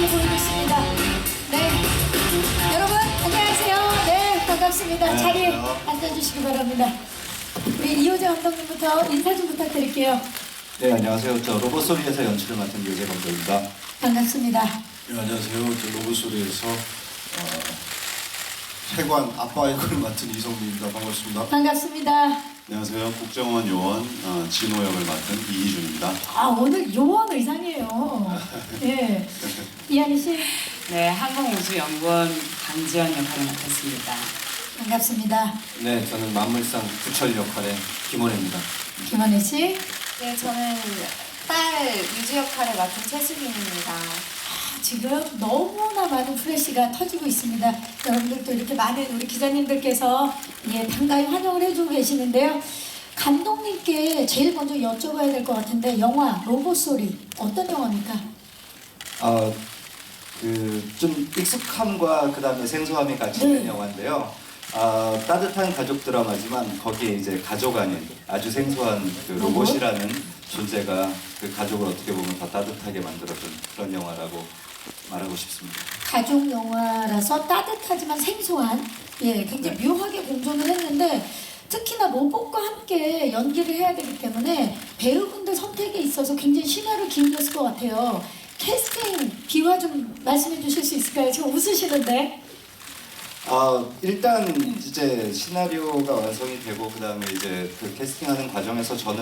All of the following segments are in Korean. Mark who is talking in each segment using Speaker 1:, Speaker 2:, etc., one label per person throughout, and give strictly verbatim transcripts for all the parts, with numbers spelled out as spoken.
Speaker 1: 모습을 보여줬습니다. 네, 여러분 안녕하세요. 네, 반갑습니다.
Speaker 2: 네,
Speaker 1: 자리에
Speaker 2: 안녕하세요.
Speaker 1: 앉아주시기 바랍니다. 우리 이호재 감독님부터 인사 좀 부탁드릴게요.
Speaker 2: 네, 안녕하세요. 저 로봇소리에서 연출을 맡은 유재 감독입니다.
Speaker 1: 반갑습니다.
Speaker 3: 네, 안녕하세요. 저 로봇소리에서 어, 세관 아빠 역을 맡은 이성민입니다. 반갑습니다.
Speaker 1: 반갑습니다.
Speaker 3: 안녕하세요. 국정원 요원 어, 진호 역을 맡은 이희준입니다.
Speaker 1: 아, 오늘 요원 의상이에요. 예. 이한희 씨
Speaker 4: 네, 항공우주연구원 강지연 역할을 맡았습니다.
Speaker 1: 반갑습니다.
Speaker 2: 네, 저는 만물상 구철 역할의 김원혜입니다.
Speaker 1: 김원혜 씨
Speaker 5: 네, 저는 딸 유주 역할을 맡은 최수빈입니다.
Speaker 1: 아, 지금 너무나 많은 플래시가 터지고 있습니다. 여러분들도 이렇게 많은 우리 기자님들께서 예, 반가이 환영을 해주고 계시는데요. 감독님께 제일 먼저 여쭤봐야 될 것 같은데 영화 로봇소리 어떤 영화입니까?
Speaker 2: 아, 그 좀 익숙함과 그 다음에 생소함이 같이 있는
Speaker 1: 네.
Speaker 2: 영화인데요. 아, 따뜻한 가족 드라마지만 거기에 이제 가족 아닌 아주 생소한 그
Speaker 1: 로봇?
Speaker 2: 로봇이라는 존재가 그 가족을 어떻게 보면 더 따뜻하게 만들어준 그런 영화라고 말하고 싶습니다.
Speaker 1: 가족 영화라서 따뜻하지만 생소한 예, 굉장히 묘하게 공존을 했는데 특히나 로봇과 함께 연기를 해야 되기 때문에 배우분들 선택에 있어서 굉장히 심혈을 기울였을 것 같아요. 캐스팅 비화 좀 말씀해 주실 수 있을까요? 지금 웃으시는데.
Speaker 2: 아, 일단 이제 시나리오가 완성이 되고 그 다음에 이제 그 캐스팅하는 과정에서 저는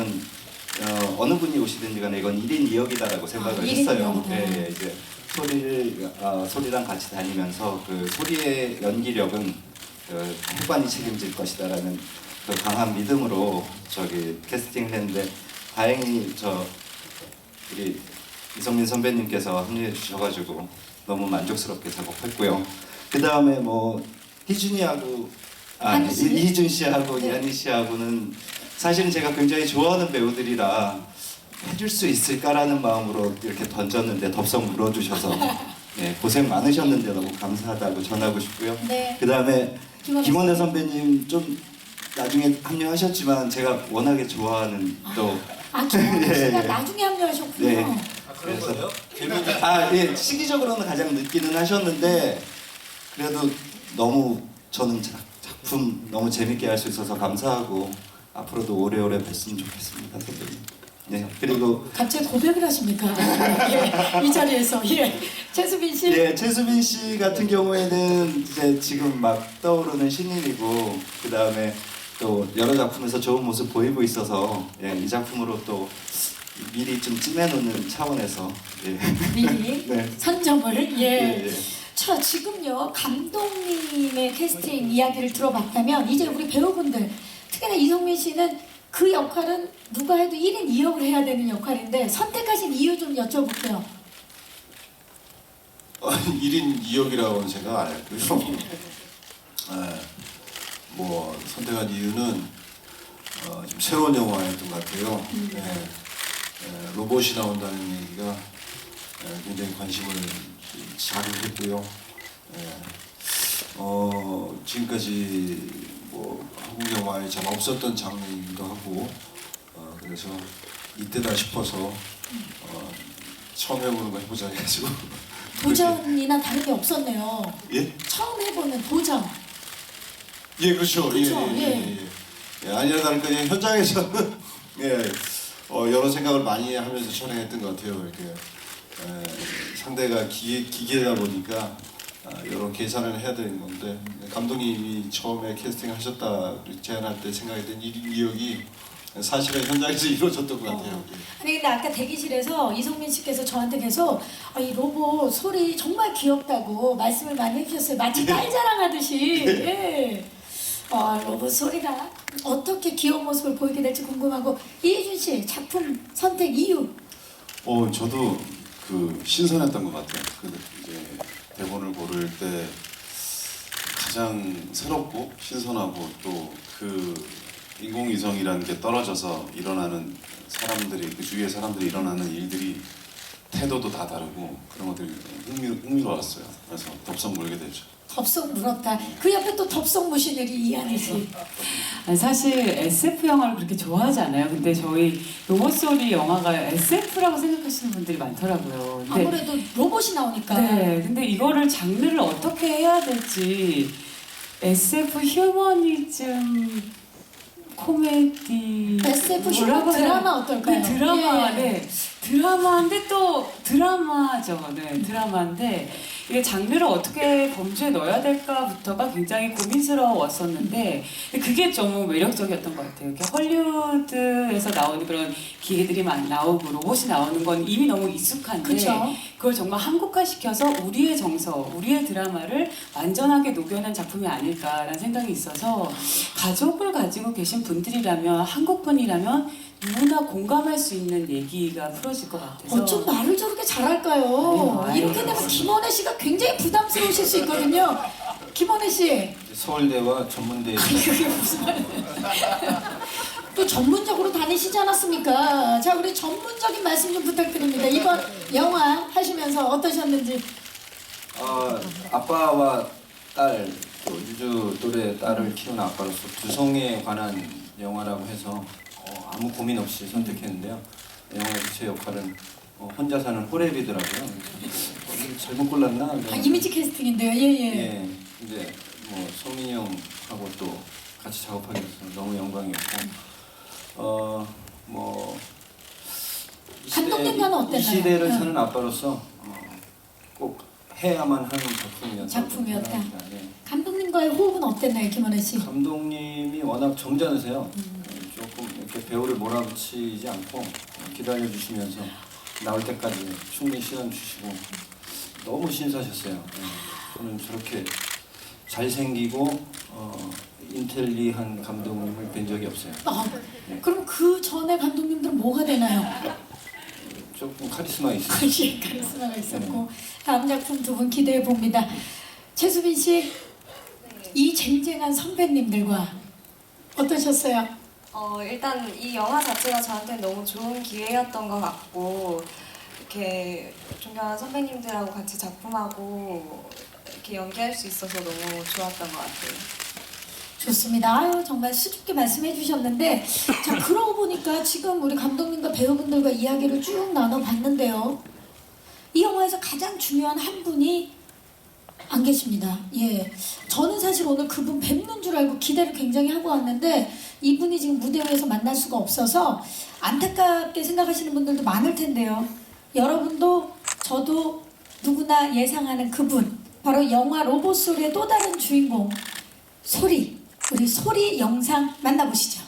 Speaker 2: 어, 어느 분이 오시든지 간에 이건 일 인 이 역이다라고 생각을
Speaker 1: 아, 일 인
Speaker 2: 했어요.
Speaker 1: 이 역이다.
Speaker 2: 예, 예, 이제 소리를 아, 소리랑 같이 다니면서 그 소리의 연기력은 그 해관이 책임질 것이다라는 그 강한 믿음으로 저기 캐스팅을 했는데 다행히 저 우리 이성민 선배님께서 합류해 주셔가지고 너무 만족스럽게 작업했고요. 그 다음에 뭐 희준이하고 아
Speaker 1: 한희 씨?
Speaker 2: 이- 이희준 씨하고
Speaker 1: 네.
Speaker 2: 이한희 씨하고는 사실은 제가 굉장히 좋아하는 배우들이라 해줄 수 있을까라는 마음으로 이렇게 던졌는데 덥석 물어주셔서 네, 고생 많으셨는데 너무 감사하다고 전하고 싶고요.
Speaker 1: 네.
Speaker 2: 그 다음에
Speaker 1: 김원혜
Speaker 2: 김원혜 선배님 좀 나중에 합류하셨지만 제가 워낙에 좋아하는 또
Speaker 1: 아, 김원혜
Speaker 2: 예,
Speaker 1: 씨가
Speaker 2: 예.
Speaker 1: 나중에 합류하셨군요.
Speaker 2: 네. 그래서 아, 예, 시기적으로는 가장 늦기는 하셨는데 그래도 너무 저는 작- 작품 너무 재밌게 할 수 있어서 감사하고 앞으로도 오래오래 뵀으면 좋겠습니다, 선배님. 네, 그리고
Speaker 1: 갑자기 고백을 하십니까? 예, 이 자리에서 예. 최수빈 씨.
Speaker 2: 예, 최수빈 씨 같은 경우에는 이제 지금 막 떠오르는 신인이고 그 다음에 또 여러 작품에서 좋은 모습 보이고 있어서 예, 이 작품으로 또 미리 좀 찜해놓는 차원에서 예.
Speaker 1: 미리
Speaker 2: 네.
Speaker 1: 선점을 예.
Speaker 2: 예, 예.
Speaker 1: 자, 지금요 감독님의 캐스팅 이야기를 들어봤다면 이제 우리 배우분들 특히나 이성민 씨는 그 역할은 누가 해도 일 인 이 역을 해야 되는 역할인데 선택하신 이유 좀 여쭤볼게요.
Speaker 3: 어, 일 인 이 역이라고는 생각 안 했고요. 예, 뭐 선택한 이유는 어, 좀 새로운 영화였던 것 같아요. 예, 예, 로봇이 나온다는 얘기가 예, 굉장히 관심을 자극했고요. 예, 어, 지금까지 뭐 한국 영화에 잘 없었던 장르이기도 하고 어, 그래서 이때다 싶어서 어, 처음 해보는 거 해보자 해가지고
Speaker 1: 도전이나 다른 게 없었네요.
Speaker 3: 예?
Speaker 1: 처음 해보는 도전.
Speaker 3: 예, 그렇죠. 예,
Speaker 1: 그렇죠,
Speaker 3: 예, 예, 예. 예, 아니라 다를까 그냥 현장에서는 예, 어, 여러 생각을 많이 하면서 촬영했던 것 같아요. 이렇게 에, 상대가 기, 기계다 보니까 아, 여러 계산을 해야 되는 건데 감독님이 처음에 캐스팅하셨다 제안할 때 생각했던 일 인 이 역이 사실은 현장에서 이루어졌던 것 같아요. 예.
Speaker 1: 아니 근데 아까 대기실에서 이성민 씨께서 저한테 계속 아, 이 로봇 소리 정말 귀엽다고 말씀을 많이 해주셨어요. 마치 딸 자랑하듯이. 예. 아, 로봇 소리가 어떻게 귀여운 모습을 보이게 될지 궁금하고 이희준 씨 작품 선택 이유.
Speaker 6: 어, 저도 그 신선했던 것 같아요. 그 이제 대본을 고를 때 가장 새롭고 신선하고 또 그 인공위성이라는 게 떨어져서 일어나는 사람들이 그 주위의 사람들이 일어나는 일들이 태도도 다 다르고 그런 것들이 흥미, 흥미로웠어요. 그래서 덥석 물게 되죠.
Speaker 1: 덥석 물었다. 그 옆에 또 덥석 무시늘이 이한희 씨.
Speaker 4: 아니, 사실 에스에프 영화를 그렇게 좋아하지 않아요. 근데 저희 로봇소리 영화가 에스에프라고 생각하시는 분들이 많더라고요. 근데
Speaker 1: 아무래도 로봇이 나오니까.
Speaker 4: 네, 근데 이거를 장르를 어떻게 해야 될지 에스에프 휴머니즘 코미디
Speaker 1: 에스에프 휴먼
Speaker 4: 뭐라고 해야
Speaker 1: 드라마
Speaker 4: 되나?
Speaker 1: 어떨까요?
Speaker 4: 네, 드라마,
Speaker 1: 예.
Speaker 4: 네. 드라마인데 또 드라마죠. 네, 드라마인데 이게 장르를 어떻게 범주에 넣어야 될까부터가 굉장히 고민스러웠었는데 근데 그게 좀 매력적이었던 것 같아요. 이렇게 헐리우드에서 나오는 그런 기계들이 많이 나오고 로봇이 나오는 건 이미 너무 익숙한데
Speaker 1: 그쵸.
Speaker 4: 그걸 정말 한국화시켜서 우리의 정서, 우리의 드라마를 완전하게 녹여낸 작품이 아닐까라는 생각이 있어서 가족을 가지고 계신 분들이라면 한국 분이라면 누구나 공감할 수 있는 얘기가 풀어질 것 같아서
Speaker 1: 어쩜 말을 저렇게 잘할까요?
Speaker 4: 아유,
Speaker 1: 이렇게
Speaker 4: 아유.
Speaker 1: 되면 김원혜 씨가 굉장히 부담스러우실 수 있거든요. 김원혜 씨.
Speaker 3: 서울대와 전문대
Speaker 1: 그게 무슨 말이에요? 또 전문적으로 다니시지 않았습니까? 자, 우리 전문적인 말씀 좀 부탁드립니다. 이번 영화 하시면서 어떠셨는지.
Speaker 3: 어, 아빠와 딸, 또 유주 또래 딸을 키우는 아빠로서 두성에 관한 영화라고 해서 어, 아무 고민 없이 선택했는데요. 영화에서 제 역할은 어, 혼자 사는 호랩이더라고요. 어, 이거 잘못 골랐나?
Speaker 1: 아, 이미지 캐스팅인데요. 예, 예.
Speaker 3: 예, 이제 뭐 성민이 형하고 또 같이 작업하게 돼서 너무 영광이었고, 어, 뭐 이 시대-
Speaker 1: 감독님과는 어땠나요?
Speaker 3: 이 시대를
Speaker 1: 응.
Speaker 3: 사는 아빠로서 어, 꼭 해야만 하는 작품이었다.
Speaker 1: 작품이었다.
Speaker 3: 예.
Speaker 1: 감독님과의 호흡은 어땠나요, 김원혜 씨?
Speaker 3: 감독님이 워낙 점잖으세요.
Speaker 1: 음.
Speaker 3: 조금 이렇게 배우를 몰아붙이지 않고 기다려 주시면서 나올 때까지 충분히 시간 주시고 너무 신사셨어요. 예. 저는 저렇게 잘생기고 어, 인텔리한 감독님을 뵌 적이 없어요.
Speaker 1: 아, 그럼 그 전에 감독님들은 뭐가 되나요?
Speaker 3: 조금 카리스마 있어요.
Speaker 1: 글씨 카리스마가 있었고 다음 작품 두 분 기대해 봅니다. 최수빈 씨, 이 쟁쟁한 선배님들과 어떠셨어요?
Speaker 5: 어, 일단 이 영화 자체가 저한테 너무 좋은 기회였던 것 같고 이렇게 존경하는 선배님들하고 같이 작품하고 이렇게 연기할 수 있어서 너무 좋았던 것 같아요.
Speaker 1: 좋습니다. 아유, 정말 수줍게 말씀해 주셨는데 자, 그러고 보니까 지금 우리 감독님과 배우분들과 이야기를 쭉 나눠봤는데요. 이 영화에서 가장 중요한 한 분이 안 계십니다. 예, 저는 사실 오늘 그분 뵙는 줄 알고 기대를 굉장히 하고 왔는데 이분이 지금 무대 위에서 만날 수가 없어서 안타깝게 생각하시는 분들도 많을 텐데요. 여러분도 저도 누구나 예상하는 그분, 바로 영화 로봇소리의 또 다른 주인공 소리, 우리 소리 영상 만나보시죠.